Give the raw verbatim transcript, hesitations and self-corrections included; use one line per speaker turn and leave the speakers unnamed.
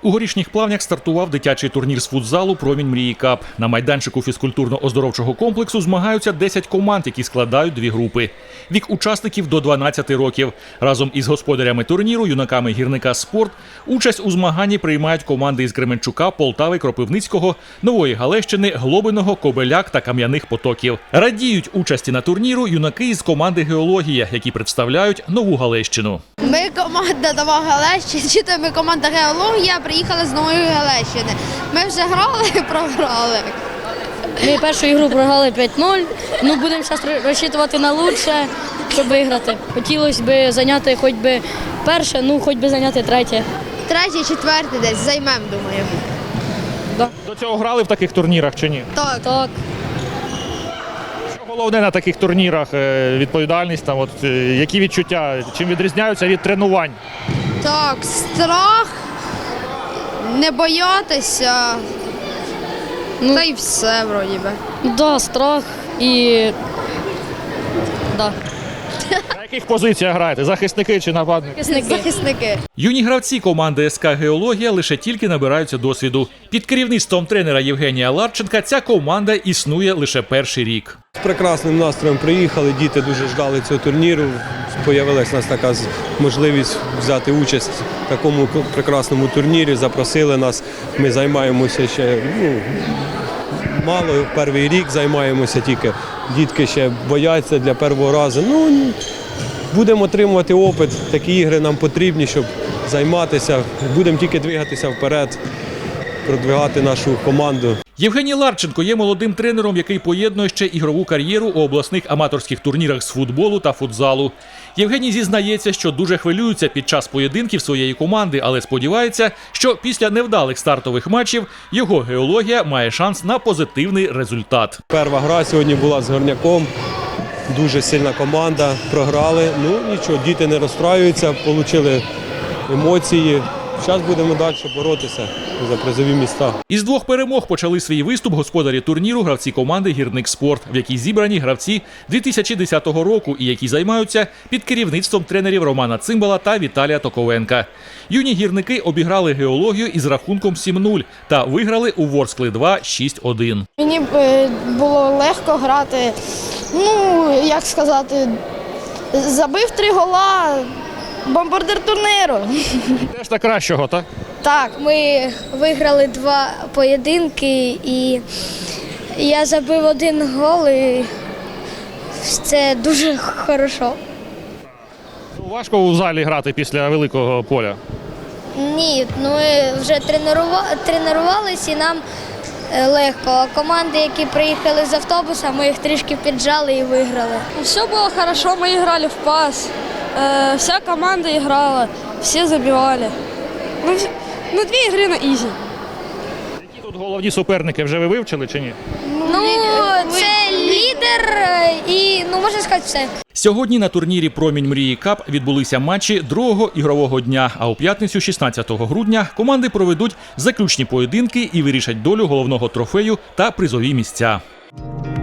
У Горішніх Плавнях стартував дитячий турнір з футзалу «Промінь мрії Кап». На майданчику фізкультурно-оздоровчого комплексу змагаються десять команд, які складають дві групи. Вік учасників до дванадцяти років. Разом із господарями турніру, юнаками гірника «Спорт», участь у змаганні приймають команди із Кременчука, Полтави, Кропивницького, Нової Галещини, Глобиного, Кобеляк та Кам'яних Потоків. Радіють участі на турніру юнаки із команди «Геологія», які представляють Нову Галещину.
Ми команда Нова Галещина, чи то ми команда «Геологія», приїхали з Нової Галещини. Ми вже грали і програли.
Ми першу ігру програли п'ять нуль, ну будемо зараз розчитувати на лучше, щоб виграти. Хотілося б зайняти хоч би перше, ну хоч би зайняти третє.
Третє, четверте десь займемо, думаю.
Да.
До цього грали в таких турнірах чи ні?
Так.
Так.
Що головне на таких турнірах? Е, Відповідальність, там, от, е, які відчуття, чим відрізняються від тренувань?
Так, страх, не боятися,
Ну,
та й все, вроді би.
да, страх і да.
На яких позиціях граєте? Захисники чи нападники?
Захисники.
Захисники.
Юні гравці команди СК «Геологія» лише тільки набираються досвіду. Під керівництвом тренера Євгенія Ларченка ця команда існує лише перший рік.
З прекрасним настроєм приїхали, діти дуже ждали цього турніру. Появилась у нас така можливість взяти участь в такому прекрасному турнірі, запросили нас. Ми займаємося ще ну, мало, перший рік займаємося тільки. Дітки ще бояться для першого разу. Ну, будемо отримувати опит, такі ігри нам потрібні, щоб займатися. Будемо тільки двигатися вперед, продвигати нашу команду.
Євгеній Ларченко є молодим тренером, який поєднує ще ігрову кар'єру у обласних аматорських турнірах з футболу та футзалу. Євгеній зізнається, що дуже хвилюється під час поєдинків своєї команди, але сподівається, що після невдалих стартових матчів його «Геологія» має шанс на позитивний результат.
Перша гра сьогодні була з Горняком. Дуже сильна команда, програли. Ну нічого, діти не розстраюються, отримали емоції. Зараз будемо далі боротися за призові місця.
Із двох перемог почали свій виступ господарі турніру гравці команди «Гірник Спорт», в якій зібрані гравці дві тисячі десятого року і які займаються під керівництвом тренерів Романа Цимбала та Віталія Токовенка. Юні гірники обіграли «Геологію» із рахунком сім нуль та виграли у Ворскли два шість один.
Мені було легко грати, ну, як сказати, забив три гола, бомбардир турніру.
Теж так кращого, так?
Так.
Ми виграли два поєдинки і я забив один гол, і це дуже хорошо.
Важко у залі грати після великого поля.
Ні, ну ми вже тренували, тренувалися і нам легко. А команди, які приїхали з автобуса, ми їх трішки піджали і виграли.
Все було хорошо, ми грали в пас. Э, вся команда играла, все забивали. Ну, ну две игры на изи.
Які тут головні суперники, вже ви вивчили чи ні?
Ну, це лідер і, ну, можна сказати, все.
Сьогодні на турнірі «Промінь мрії Кап» відбулися матчі другого ігрового дня, а у п'ятницю шістнадцятого грудня команди проведуть заключні поєдинки і вирішать долю головного трофею та призові місця.